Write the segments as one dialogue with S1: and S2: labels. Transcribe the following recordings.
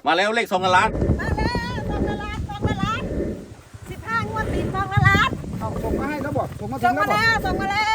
S1: มาแล้วเลข2 ล้าน
S2: มาแล้ว2 ล้าน15 งวดติด2 ล้าน
S3: เอาส่งมาให้แล้วบอกส่งมาถึ
S2: ส่
S3: ง
S2: ง
S3: แล้ว
S2: มา
S3: บอก
S2: แล้วส่งมาแล้ว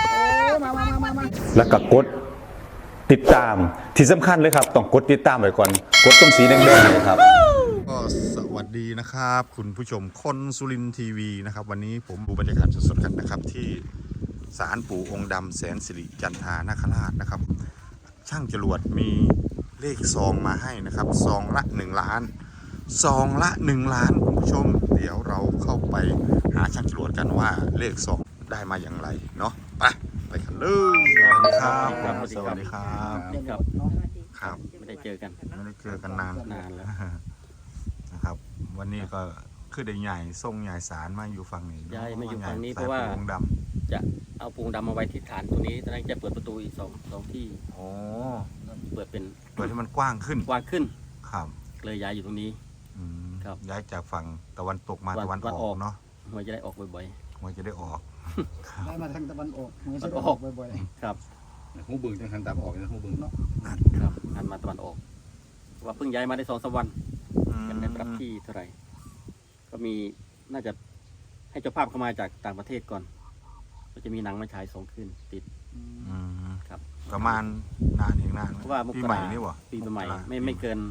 S3: มา
S4: แล้วก็กดติดตามที่สำคัญเลยครับต้องกดติดตามไว้ก่อนกดตรงสีแดงๆเลยครับ
S5: ก็สวัสดีนะครับคุณผู้ชมคนสุรินทร์ทีวีนะครับวันนี้ผมดูบรรยากาศสดๆกันนะครับที่ศาลปู่องค์ดำแสนสิริจันทานาคราชนะครับช่างจรวดมีเลขซองมาให้นะครับซองละ1 ล้านซองละ1 ล้านคุณผู้ชมเดี๋ยวเราเข้าไปหาช่างจรวดกันว่าเลขซองได้มาอย่างไรเนาะไปกันเลยสวัสดีครับสวัสดีครับ
S1: นี่ครับ
S5: ครับ
S1: ไม่ได้เจอกัน
S5: ไม่ได้เจอกันนาน
S1: แล้ว
S5: นะครับวันนี้ก็คือได้ใหญ่ส่งใหญ่สารมาอยู่ฝั่งนี้
S1: ย้ายมาอยู่ฝั่งนี้เพราะว่า
S5: สยปูงด
S1: จะเอาปูงดำมาไว้ที่ฐานตรงนี้ตอนนั้นจะเปิดประตูอีกสองที่
S5: ำโอ้
S1: เปิดเป็น
S5: เปิดให้มันกว้างขึ้น
S1: กว้างขึ้น
S5: ครับ
S1: เลยย้ายอยู่ตรงนี้
S5: อืม
S1: ครับ
S5: ย้ายจากฝั่งตะวันตกมา
S1: ตะ
S5: ตะ
S1: วั
S5: วัน น
S1: อ
S5: อ
S1: อ
S5: อก กเนาะ
S1: หวยจะได้ออกบ่อย
S5: มันจะได้ออก
S3: ได้มาทางตะวันออกเหมือนจะออกบ่อย
S1: ๆครับ
S6: หูบึงจังหันตามออกนะหูบึงเนาะ
S1: ครับหันมาตะวันออกว่าเพิ่งย้ายมาได้2-3 วัน
S5: อืม
S1: กันได้ปรับที่เท่าไหร่ก็มีน่าจะให้เจ้าภาพเข้ามาจากต่างประเทศก่อนก็จะมีหนังมาฉาย2 คืนติด
S5: อืม
S1: ครับ
S5: ประมาณนานเองนาน
S1: เพราะว่ามก
S5: ปี
S1: รา
S5: ใหม่นี่วะ
S1: ปีใหม่
S5: กรา
S1: ไม่เกิน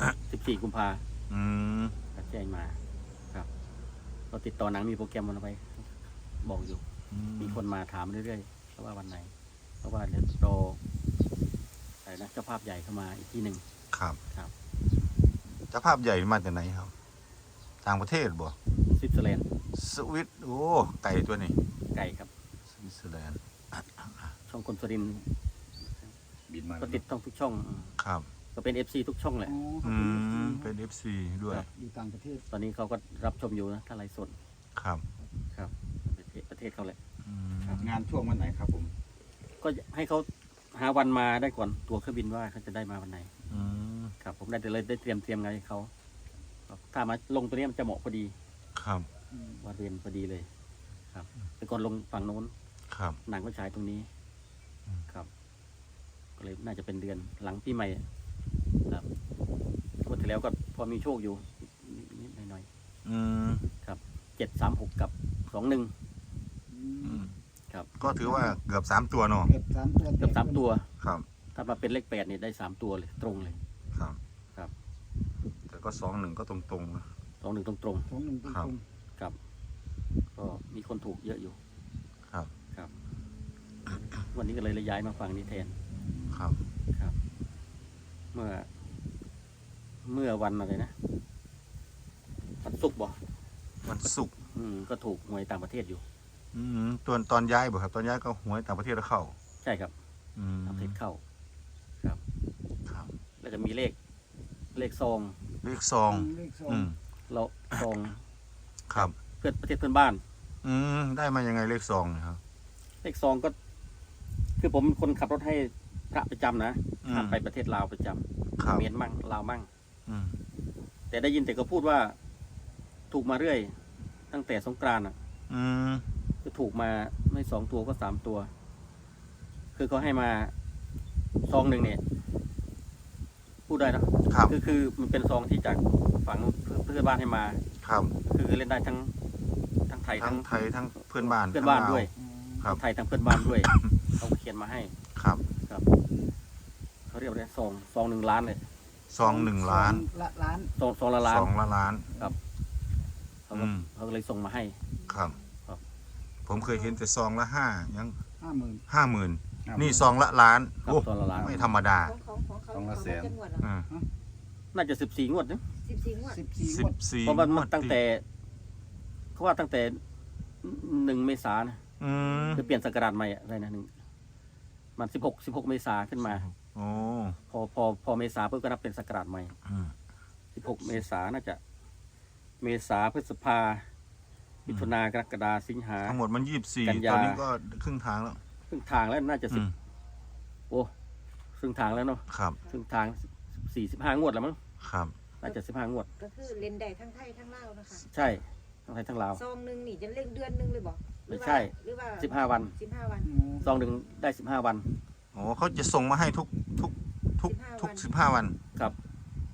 S1: 14 กุมภา
S5: อืม
S1: แจ้งมาครับเราติดต่อหนังมีโปรแกรมมันไปบอกอยู่ มีคนมาถามเรื่อยๆเพราะว่าวันไหน เพราะว่าเดี๋ยวรออะไรนะเจ้าภาพใหญ่เข้ามาอีกที่หนึ่ง
S5: ครับ
S1: ครับ
S5: เจ้าภาพใหญ่มาจากไหนครับ ต่างประเทศบ่
S1: สวิตเซอร์แลนด์
S5: สวิตโอ้ไก่ตัวนี้
S1: ไก่ครับ
S5: สวิตเซอร์แลนด์
S1: ช่องคนสุรินทร์
S6: บินมา
S1: ก็ติดต้องทุกช่อง
S5: ครับ
S1: ก็เป็น FC ทุกช่องแหละ
S5: อืมเป็น FC ด้วย
S3: อยู่ต่างประเทศ
S1: ตอนนี้เขาก็รับชมอยู่นะถ้าไลฟ์สด
S5: ครับ
S1: ครับประเทศเขาแหละ
S5: อืม
S6: งานช่วงวันไหนครับผม
S1: ก็ให้เขาหาวันมาได้ก่อนตัวเครื่องบินว่าเขาจะได้มาวันไหน
S5: อืม
S1: ครับ ผมได้เลยได้เตรียมงานให้เขาถ้ามาลงตัวนี้มันจะเหมาะพอดี
S5: ครับ
S1: วันเรียนพอดีเลย ครับแต่ก่อนลงฝั่งโน้น
S5: ครับ
S1: หนังก็ฉายตรงนี้
S5: อืม
S1: ครับ ก็เลยน่าจะเป็นเดือนหลังปีใหม่ครับงวดที่แล้วก็พอมีโชคอยู่นิดๆหน่อย
S5: อืม
S1: ๆ736กับ21
S5: อืม
S1: ครับ
S5: ก็ถือว่าเกือบ3 ตัวเนาะ
S3: เกือบ3 ตัว
S1: เกือบ3 ตัว
S5: ครับ
S1: ถ้ามาเป็นเลข8เนี่ยได้3 ตัวเลยตรงเลย
S5: ครับ
S1: ครับ
S5: แต่ก็2-1ก็ตรงๆนะ
S1: 21ตรง
S3: ของหนึ่งต
S5: ครับ
S3: รง
S1: ๆครับ ก็มีคนถูกเยอะอยู่
S5: ครับ
S1: ครับ วันนี้ก็เลยย้ายมาฝั่งนี้แทน
S5: ครับ
S1: ครับ เมื่อวันอะไรนะวันศุกร์บ่
S5: วันศุกร์
S1: ก็ถูกหวยต่างประเทศอยู่
S5: อืมตอนย้ายบ่ครับ ตอนย้ายก็หวยต่างประเทศแล้วเข้า
S1: ใช่ครับ
S5: อืม
S1: ต่างประเทศเข้า ครับ
S5: ครับ
S1: แล้วจะมีเลขซอง
S5: เลขซอง
S3: เลข
S5: อืม
S1: เราซอง
S5: ครับ
S1: เพื่อนประเทศเพื่อนบ้าน
S5: อืมได้มายังไงเลขซองเนี่ยครับ
S1: เลขซองก็ คือผมเป็นคนขับรถให้พระประจำนะ
S5: อืม
S1: ข้ามไปประเทศลาวประจ
S5: ครับ
S1: ำเมียนมั่งลาวมั่ง
S5: อืม
S1: แต่ได้ยินแต่ก็พูดว่า ถูกมาเรื่อย ตั้งแต่สงกรานต์อ่ะ
S5: อืม
S1: ก็ถูกมาไม่2 ตัวก็3 ตัว คือเขาให้มาซองหนึ่งเนี่ย พูดได้เนอะ
S5: ครับ
S1: คือมันเป็นซองที่จากฝั่งเพื่อนบ้านให้มา
S5: ครับ
S1: คือเล่นได้ทั้งไทย
S5: ทั้
S1: ทั้
S5: ง
S1: ง
S5: ไทยทั้งเพื่อนบ้าน
S1: เพื่อนบ้าน
S5: ทั้งล
S1: ด้วย
S5: ครับ
S1: ทั้งไทยทั้งเพื่อนบ้านด้วย เขาเขียนมาให้
S5: ครับ
S1: ครับเขาเรียกว่าอะไรซอง1 ล้านเลย
S5: ซอง1 ล้าน
S3: ละล้าน
S1: ซองละล้าน
S5: สองละล้าน
S1: เขาก็
S5: อืม
S1: เขาก็เลยส่งมาให้
S5: ครับ
S1: ครับ
S5: ผมเคยเห็นแต่ซองละ5ยัง
S3: 50,000
S5: 50,000นี่ซองละล้าน
S1: ครับ
S5: โอ้
S1: ซองละล้าน
S5: ไม่ธรรมดา
S2: ของเขาจะงวดเหรอ
S5: อืม
S1: น่าจะ14 งวดนะ
S2: 14 งวด
S3: 14 งวด
S5: 14
S1: เพราะมัน
S5: งวด
S1: ตั้งแต่เขาว่าตั้งแต่1 เมษายนนะ
S5: อืม
S1: คือเปลี่ยนศักราชใหม่อะอะไรนะมัน16 เมษาขึ้นมา
S5: โอ้
S1: พอเมษาเพิ่งก็นับเป็นศักราชใหม่
S5: อืม
S1: 16 เมษาน่าจะ เมษาพฤษภามิถุนากรกฎาสิงหา
S5: ทั้งหมดมัน
S1: กัน
S5: 24
S1: ยา
S5: ตอนนี้ก็ครึ่งทางแล้ว
S1: ครึ่งทางแล้วน่าจะ
S5: อืม
S1: โอ้ครึ่งทางแล้วเนาะ
S5: ครับ
S1: ครึ่งทาง45 งวดแล้วมั้ง
S5: ครับ
S1: น่าจะ15 งวด
S2: ก็คือเล่นได้ทั้งไทยทั้งลาวนะคะ
S1: ใช่ทั้งไทยทั้งลาว
S2: ซองหนึ่งนี่จะเล่นเดือนหนึงเลยบอกหรือว่า
S1: ใช่
S2: หรือว่า
S1: 15 วัน
S2: 15 วัน
S1: ซองหนึ่งได้15 วัน
S5: โอ้เขาจะส่งมาให้ทุก
S2: 15
S5: 15 วัน
S1: ครับ
S5: อ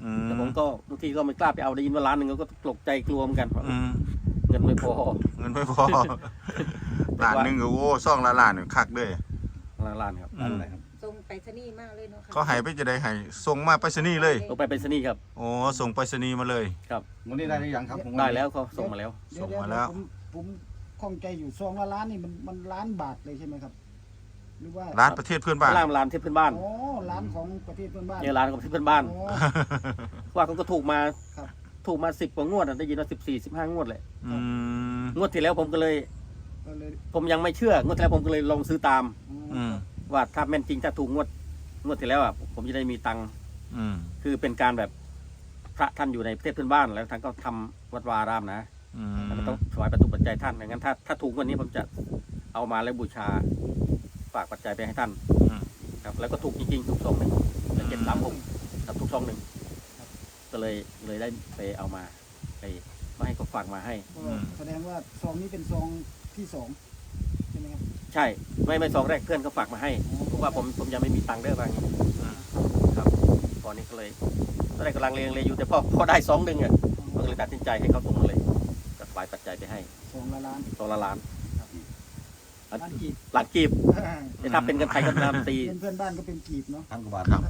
S1: แต่ผมก็บางทีก็ไม่กล้าไปเอาได้ยินว่าล้านหนึ่งก็ตกใจกลัวเหมือนกัน
S5: อืม
S1: เงินไม่พอ
S5: เงินไม่พอล้านหนึงก็โอ้ซ่องละล้านนี่คักเด้อ
S1: ล้านครับ
S5: อืม
S6: อะไรครับ
S2: ทรงไปรษณีย์มากเลยเนาะค่ะ
S5: เขาให้ไปจะได้ให้ส่งมาไปรษณีย์เลย
S1: ลงไปเป็นสนีย์ครับ
S5: โอ้ส่งไปรษณีย์มาเลย
S1: ครับ
S6: วันนี้ได้หรือยังครับผม
S1: ได้แล้วเขาส่งมาแล้ว
S3: เดี๋ยว
S5: ส่งมาแล้ว
S3: ผมข้องใจอยู่ซองละล้านนี่มันล้านบาทเลยใช่ไหมครับ หรือว่า
S5: ร้านประเทศเพื่อนบ้าน
S1: ร้านเทพเพื่อนบ้าน
S3: อ๋อล้านของประเทศเพื่อนบ้าน
S1: เนี่ยร้านของเทพเพื่อนบ้าน
S3: อ๋อ
S1: ว่าเขาก็ถูกมา
S3: ครับ
S1: ถูกมา10 กว่างวดอะได้ยินว่า14-15 งวดเลย
S5: อืม
S1: งวดที่แล้วผมก็เลย
S3: ก็เลย
S1: ผมยังไม่เชื่องวดที่แล้วผมก็เลยลองซื้อตาม
S5: อืม
S1: ว่าถ้าแม่นจริงถ้าถูกงวดที่แล้วอ่ะผมจะได้มีตังค์
S5: อืม
S1: คือเป็นการแบบพระท่านอยู่ในประเทศเพื่อนบ้านแล้วท่านก็ทำวัดวาอารามนะ
S5: อืม
S1: แล้วก็ต้องถวายปัจจุปัจจัยท่านอย่างนั้นถ้าถูกวันนี้ผมจะเอามาแล้วบูชาฝากปัจจัยไปให้ท่าน
S5: อืม
S1: ครับแล้วก็ถูกจริงๆถูกซองหนึ่งแล้ว736ครับถูกซองหนึ่งก็เลยได้ไปเอามาไปให้เขาฝากมาให้
S3: ก็แสดงว่าซองนี้เป็นซองที่สองใช่ไหมครับ
S1: ใช่ไม่ซองแรกเพื่อนเขาฝากมาให้เพราะว่าผมยังไม่มีตังค์เด้อว่าอย่างนี้ครับตอนนี้ก็เลยตอนแรกกำลังเลอยู่แต่พอได้2 อ่ะก็เลยตัดสินใจให้เขาส่งมาเลยก็ถวายปัจจัยไปให้
S3: ซองละล้าน
S1: ตัวละล้าน
S3: ล้านกีบ
S1: หลักกีบแต่ถ้าเป็นเงินไทยก็นำตี
S3: เป็นเพื่อนบ้านก็เป็นกีบเนาะ
S6: พันกว่าบาท
S5: ครับ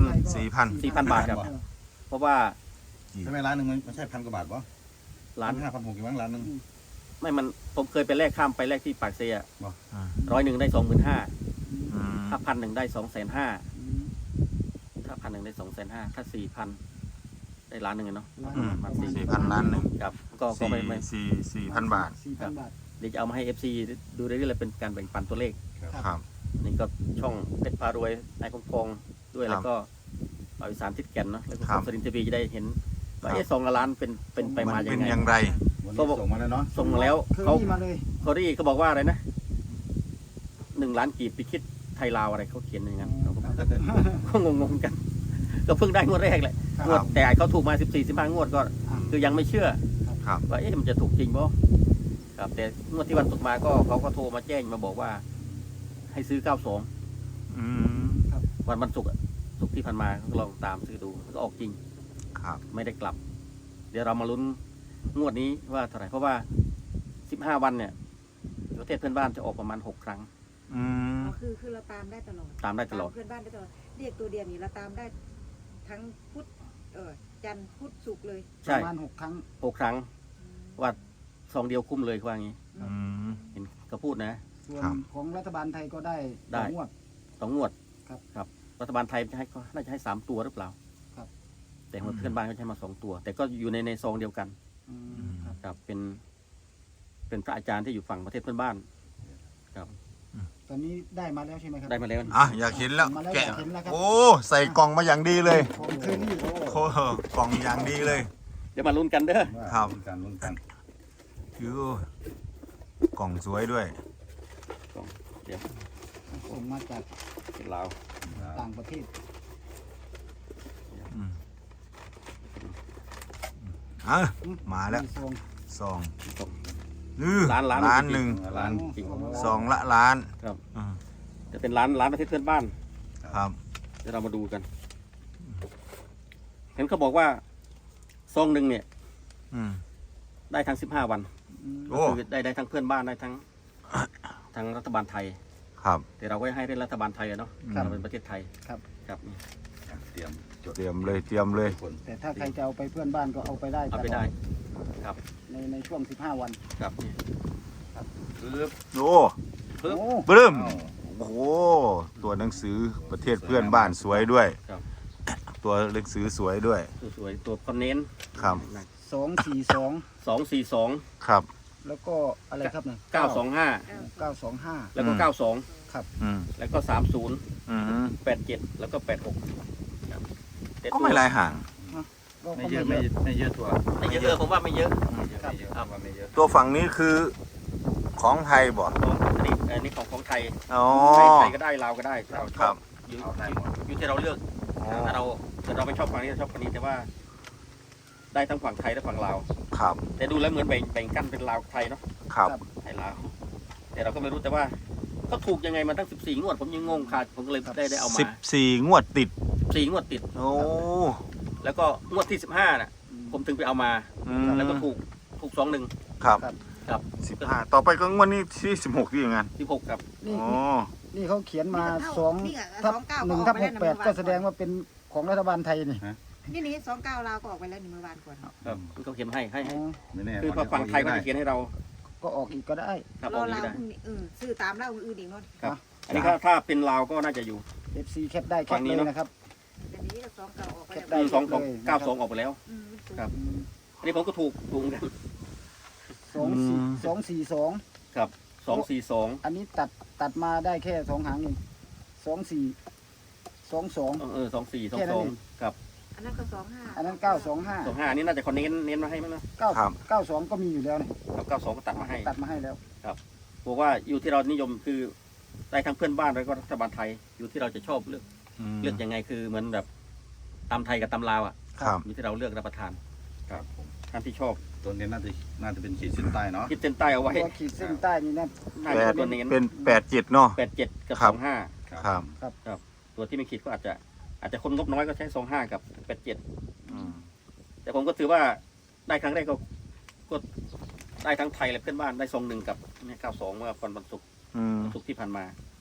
S1: 4,000 บาทครับ เพราะว่า
S6: ใช่ไหมร้านหนึ่งมันไม่ใช่พันกว่าบาทปะ
S1: ล้าน
S6: 5,600กี่มั้งร้านหนึ่ง
S1: ไม่มันผมเคยไปแลกข้ามไปแลกที่ปากเซีย
S5: อ่า
S1: 100ได้25,000
S5: อืม
S1: ถ้า1,000ได้250,000
S3: อืม
S1: ถ้า1,000ได้250,000ถ้า4,000ได้ล้านหนึ่งอะเนาะ
S3: ล้าน
S5: อืม
S3: ประมาณ
S5: 4,000ล้านหนึ่ง
S1: ครับก็ไม่
S5: 4,000 บาท
S3: 4,000 บาท
S1: เดี๋ยวจะเอามาให้ FC ดูเรื่อยๆเลยเป็นการแบ่งปันตัวเลข
S5: ครับ
S1: นี่ก็ช่องเพชรพารวยนายคงพองด้วย
S5: ครับ
S1: แล้วก็บริสารทิศแก่นเนาะแล้วก็
S5: ครับ
S1: สรินทร์ทีวีจะได้เห็นว่า
S5: ครับ
S1: ซองละล้านเป็นไป
S5: มัน
S1: มายั
S5: เป็น
S1: งไง
S5: อย่างไร
S6: วันนี้ส่งมาแล้วเนาะ
S1: ส่งมาแล้ว
S3: คือ
S1: เขา
S3: นี่มาเลย
S1: เขาได้เขาบอกว่าอะไรนะ1 ล้านกีบไปคิดไทยลาวอะไรเขาเขียนอย่างนั้นเราก็งงๆกัน ก็เพิ่งได้งวดแรกแหละ
S3: ครับ
S1: งวดแต่เขาถูกมา14-15 งวดก็คือยังไม่เชื่อ
S5: ครับ
S1: ว่ามันจะถูกจริงบ่ครับแต่งวดที่วันศุกร์มาก็เขาก็โทรมาแจ้งมาบอกว่า ให้ซื้อ92
S5: อืม
S1: วันศุกร์อะศุกร์ที่ผ่านมาก็ลองตามซื้อดูก็ออกจริง
S5: ครับ
S1: ไม่ได้กลับ เดี๋ยวเรามาลุ้นงวดนี้ว่าเท่าไหร่เพราะว่า15 วันเนี่ยประเทศเพื่อนบ้านจะออกประมาณ6 ครั้ง
S5: อืม
S2: อ๋อคือเราตามได้ตลอด
S1: ตามได้ตลอด
S2: เพื่อนบ้านได้ตลอดเรียกตัวเดียวนี่เราตามได้ทั้งพุธจันทร์พุธศุกร์เลย
S3: ป
S1: ใช่
S3: ระมาณ6 ครั้ง
S1: 6 ครั้งว่าซองเดียวคุ้มเลยว่างี้
S5: อืม
S1: เห็นเขาพูดนะ
S3: ส่วน
S5: ครับ
S3: ของรัฐบาลไทยก็ได้
S1: ได้
S3: ต่องวด
S1: 2 งวด
S3: ครับ
S1: ครับรัฐบาลไทยจะให้ก็น่าจะให้3 ตัวหรือเปล่า
S3: ครับ
S1: แต่ของเพื่อนบ้านเขาจะให้มา2 ตัว แต่ก็อยู่ในซองเดียวกัน
S3: อืมครับ
S1: ครับเป็นพระอาจารย์ที่อยู่ฝั่งประเทศเพื่อนบ้าน
S3: ตอนนี้ได้มาแล้วใช่ไหมครับ
S1: ได้มาแล้ว
S5: อ่ะอยากเห็นแล้ว
S3: มาแล้ว
S5: แกะ
S3: อยากเห็นแล้วครับ
S5: โอ้ใส่กล่องมาอย่างดีเลย
S3: ของเคอรี่โอ้
S5: โอ้โหกล่องอย่างดีเลย
S1: เดี๋ยวมาลุ้นกันเด้อ
S5: ครับ
S6: ลุ้นกัน
S5: ยูกล่องสวยด้วย
S1: เดี๋ยว
S3: ส่งมาจาก
S1: เป็นลาว
S3: ต่างประเทศ
S5: อืมอ่ะมาแล้ว
S3: ซอง
S5: ซอง
S1: ส่ง
S5: ล้าน
S1: ล้าน
S5: หนึ่ง
S6: ร้าน
S1: จริง
S5: ซองละล้าน
S1: ครับ
S5: อืม
S1: จะเป็นร้านประเทศเพื่อนบ้าน
S5: ครับ
S1: เดี๋ยวเรามาดูกัน เห็นเขาบอกว่าซองหนึ่งเนี่ย
S5: อืม
S1: ได้ทั้ง15 วัน
S5: โอ้
S1: ก็คือได้ทั้งเพื่อนบ้านได้ทั้งรัฐบาลไทย
S5: ครับ
S1: แต่เราก็ให้รัฐบาลไทยอะเนาะ
S5: ครับ
S1: เราเป็นประเทศไทย
S3: ครับ
S1: ครับนี่
S6: เตรียมจด
S5: เตรียมเลย
S6: คน
S3: แต่ถ้าใครจะเอาไปเพื่อนบ้านก็เอาไปได้
S1: เอาไปได้
S3: ตลอ
S1: ครับ
S3: ในช่วง15 วัน
S1: ครับนี่
S6: ปึ๊บ
S5: โอ้
S3: โอ้
S5: ปลื้ม
S6: อ้าว
S5: โอ้โหตัวหนังสือประเทศเพื่อนบ้านสวยด้วย
S1: ครับ
S5: ตัวหนังสือสวยด้วย
S1: สวยๆตัวคอนเน้น
S5: ครับ
S3: 242
S1: 242
S5: ครับ
S3: แล้วก็อะไรครับเนี่ย
S1: 925
S3: 925
S1: แล้วก็
S5: อืม
S1: 92
S5: อืม
S1: แล้วก็ 30
S5: อืม
S1: 87 แล้วก็ 86ครับแต่
S5: ก็ไม่ลายห่าง
S3: ก็
S6: ไม่
S3: ก็
S6: เยอะไม่เยอะถั่ว
S1: ไม่เยอะผมว่าไม่เยอะ
S6: ไม่เยอะไม่เยอะว่าไม่เยอะ
S5: ตัวฝั่งนี้คือของไทยบ่
S1: ของอันนี้ของไทย
S5: อ๋อ
S1: ไทยก็ได้ลาวก็ได้เราช
S5: ครั
S1: อบบ อยู่
S6: เอาได้หมด
S1: อยู่ที่เราเลือก
S5: อ๋อ
S1: ถ้าเราไม่ชอบฝั่งนี้เราชอบฝั่งนี้แต่ว่า ได้ทั้งฝั่งไทยและฝั่งลาว
S5: ครับ
S1: แต่ดูแล้วเหมือนแบ่งกั้นเป็นลาวกับไทยเนาะ
S5: ครับ
S1: ไทยลาวแต่เราก็ไม่รู้แต่ว่าเขาถูกยังไงมาตั้ง14 งวดผมยังงงขาดผมก็เลยได้เอามา
S5: 14 งวดติด
S1: 4 งวดติด
S5: โอ้
S1: แล้วก็งวดที่15น่ะ ผมถึงไปเอามา แล้วก็ถูก21
S5: ครับ
S1: ครับ
S5: 15ต่อไปก็งวดนี้ที่16ที่อย่างงั้น
S1: 16ครับ
S3: นี่
S5: อ๋อ
S3: นี่เขาเขียนมา
S2: นี่ไง
S3: 2 ทับ
S2: 29
S3: 1 ทับ 68 ก็แสดงว่าเป็นของรัฐบาลไทยนี่
S2: นี่29ลาวก็ออกไปแล้วนี่เมื่อวานก่อน
S1: ครับเขาเขียนให้
S3: อ๋อ
S6: ไม่แน่
S1: คือพอฝั่งไทยก็จะเขียนให้เรา
S3: ก็ออกอีกก็ได้
S1: ครับ
S2: ร
S1: อ
S2: อ
S1: อกนี้
S2: ลาว
S1: ได้
S2: พรุ่งนี้ซื้อตามลาวอื่นอีกเนาะ
S1: ครับ อันนี้ถ้าเป็นลาวก็น่าจะอยู่
S3: FC แคปได้แค
S1: ฝั่
S3: ป
S1: งนี้
S3: เลย
S1: เนอะ
S3: นะครับ
S2: อันนี้ก็29ออกไป
S3: แค
S2: แล้ว
S3: ปได้
S1: 92 92ออกไปแล้ว ครับ อันนี้ผมก็ถูกเหมือนกัน
S3: 242
S1: ครับ242
S3: อันนี้ตัดมาได้แค่2 หางเอง24 22
S1: 24
S3: แค่นั้นเอง
S1: 22ครับ
S2: อันนั้นก็25
S3: อันนั้น 925
S1: 25อันนี้น่าจะคอนเน้นมาให้มั้งนะ
S3: 92ก็มีอยู่แล้วนี่
S1: ครับ92ก็ตัดมาให้
S3: ตัดมาให้แล้ว
S1: บอกว่าอยู่ที่เรานิยมคือได้ทั้งเพื่อนบ้านแล้วก็รัฐบาลไทย อยู่ที่เราจะชอบเลือกยังไงคือเหมือนแบบตำไทยกับตำลาวอ่ะ
S5: ครับ
S1: อยู่ที่เราเลือกรับประทาน
S6: ครับผม
S1: ท่านที่ชอบ
S6: ตัวนี้น่าจะเป็นขีดเส้นใต้เนาะ
S1: คิดเส้นใต้เอาไว้
S3: ตัวขีดเส้นใต้นี่นะ
S1: น่าจะเป็นตัวเน้น
S5: เป็น87เนาะ
S1: 87 กับ
S5: ครับ
S1: 25
S5: ครับ
S1: ตัวที่ไม่คิดก็อาจจะคนงบน้อยก็ใช้25 กับ 87
S5: อืม
S1: แต่ผมก็ถือว่าได้ครั้งแรกก็ได้ทั้งไทยและเพื่อนบ้านได้21กับเนี่ย92เมื่อวันศุกร์
S5: อืม
S1: ศุกร์ที่ผ่านมา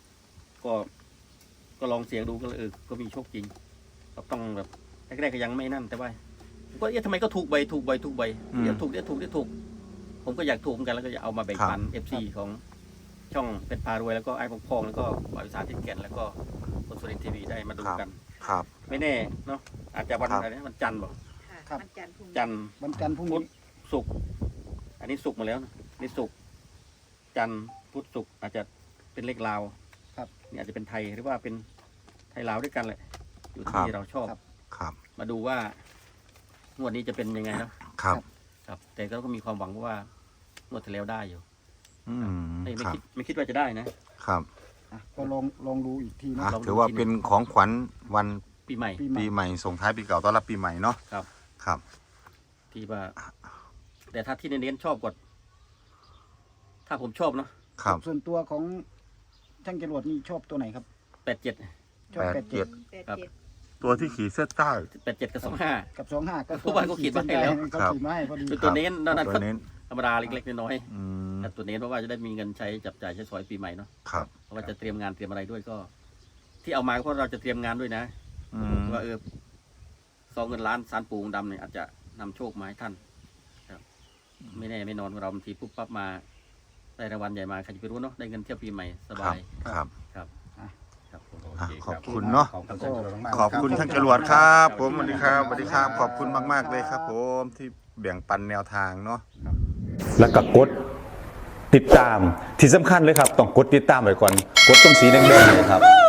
S1: ก็ลองเสียงดูก็ก็มีโชคจริงก็ต้องแบบแรกๆก็ยังไม่นั่นแต่ว่าผมก็ทำไมก็ถูกใบเดี๋ยวถูกผมก็อยากถูกเหมือนกันแล้วก็อยากเอามาแบ่งปัน FC ของช่องเป็นพารวยแล้วก็ไอ้พองแล้วก็บริษัทที่แก่นแล้วก็คนสุรินทร์ทีวีได้มาดูกัน
S5: ครับ
S1: ไม่แน่เนาะอาจจะวัน
S5: ครับ
S1: อะไรนะวันจันทร์บอก
S2: ค่ะมันจันทร์พรุ่งนี้
S1: จันทร์
S3: วันจันทร์พรุ่ง
S1: พุ
S3: นี้
S1: ธศุกร์อันนี้ศุกร์มาแล้วนะนี่ศุกร์จันทร์พุธศุกร์อาจจะเป็นเลขลาว
S3: ครับ
S1: นี่อาจจะเป็นไทยหรือว่าเป็นไทยลาวด้วยกันแหละอยู่
S5: ครั
S1: ที่
S5: บ
S1: เราชอบ
S5: ครับ
S1: มาดูว่างวดนี้จะเป็นยังไงเนาะ
S5: ครับ
S1: ครับ แต่ก็มีความหวังว่างวดที่แล้วได้อยู่
S5: อืม
S1: ไม่
S5: ครับ
S1: คิดว่าจะได้นะครับ
S3: อ่ะก็ลองดูอีกทีนะ
S5: อ่ะ
S1: ลองดู
S5: ถือว่าเป็นของขวัญวัน
S1: ปีใหม่
S5: ปีใหม่ส่งท้ายปีเก่าต้อนรับปีใหม่เนาะ
S1: ครับ
S5: ครับ
S1: ที่ว่า แต่ถ้าที่เน้นๆชอบกว่าถ้าผมชอบเนาะ
S5: ครับ
S3: ส่วนตัวของช่างจรวดนี่ชอบตัวไหนครับ
S1: 87
S3: ชอบ
S5: 87
S2: 87
S5: ตัวที่ขีดเส้นใต้
S1: 87 กับ 25
S3: กับ25ก็
S1: เพราะว่าเขาขีดมาให้แล้ว
S3: เขาขีดมาให้พอดี
S1: คือตัวเน้นนั่น
S5: ตัวเน้น
S1: ธรรมดาเล็กๆน้อย
S5: อืม
S1: ๆแต่ตัวเน้นเพราะว่าจะได้มีเงินใช้จับจ่ายใช้สอยปีใหม่เนาะ
S5: ครับ
S1: เพราะว่าจะเตรียมงานเตรียมอะไรด้วยก็ ที่เอามาก็เพราะเราจะเตรียมงานด้วยนะ
S5: อืม
S1: ว่าซองเงินล้านสารปูงดำเนี่ยอาจจะนำโชคมาให้ท่านครับ ไม่แน่ไม่นอนเราบางทีปุ๊บปั๊บมาได้รางวัลใหญ่มาใครจะไปรู้เนาะได้เงินเที่ยวปีใหม่ส
S5: ครับ
S1: าย
S5: ครับ
S1: ครับครับผม
S6: โอเค
S5: ขอบคุณเนาะ
S6: ขอบคุณท่านจรวดมากๆ
S5: ขอบคุณท่านจรวดครับ ผมสวัสดีครับสวัสดีครับ ขอบคุณมากๆเลยครับ ผมที่แบ่งปันแนวทางเนาะ
S4: แล้วก็กดติดตามที่สำคัญเลยครับ ต้องกดติดตามไว้ก่อน กดตรงสีแดงๆเลยครับ